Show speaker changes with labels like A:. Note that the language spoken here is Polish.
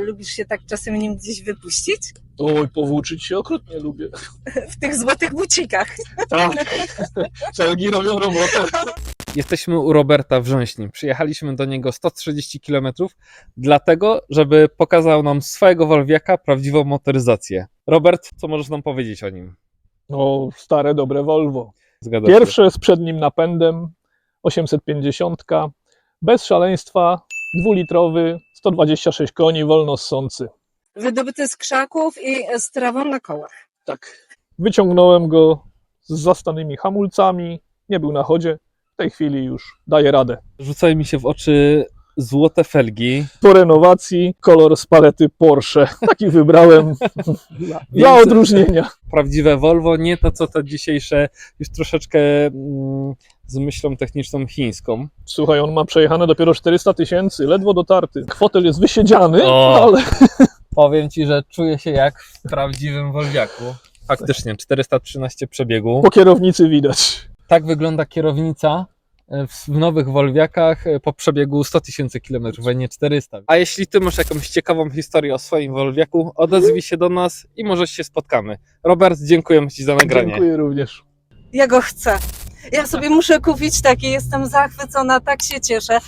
A: lubisz się tak czasem nim gdzieś wypuścić?
B: Oj, powłóczyć się okrutnie lubię.
A: W tych złotych bucikach.
B: Tak, felgi robią robotę.
C: Jesteśmy u Roberta w Rząśni. Przyjechaliśmy do niego 130 km, dlatego, żeby pokazał nam swojego Wolwiaka prawdziwą motoryzację. Robert, co możesz nam powiedzieć o nim?
B: No, stare, dobre Volvo.
C: Zgadza się.
B: Pierwsze z przednim napędem, 850, bez szaleństwa, 2-litrowy, 126 koni, wolno ssący.
A: Wydobyty z krzaków i z trawą na kołach.
B: Tak. Wyciągnąłem go z zastanymi hamulcami, nie był na chodzie, w tej chwili już daje radę.
C: Rzucają mi się w oczy złote felgi.
B: Po renowacji kolor z palety Porsche. Taki wybrałem dla odróżnienia.
C: Prawdziwe Volvo, nie to co te dzisiejsze, już troszeczkę z myślą techniczną chińską.
B: Słuchaj, on ma przejechane dopiero 400 000, ledwo dotarty. Fotel jest wysiedziany,
C: O.
B: ale
C: Powiem Ci, że czuję się jak w prawdziwym Wolwiaku. Faktycznie, 413 przebiegu.
B: po kierownicy widać.
C: Tak wygląda kierownica w nowych Wolwiakach po przebiegu 100 000 km, a nie 400. A jeśli Ty masz jakąś ciekawą historię o swoim Wolwiaku, odezwij się do nas i może się spotkamy. Robert, dziękuję Ci za nagranie.
B: Dziękuję również.
A: Ja go chcę. Ja sobie muszę kupić taki, jestem zachwycona, tak się cieszę.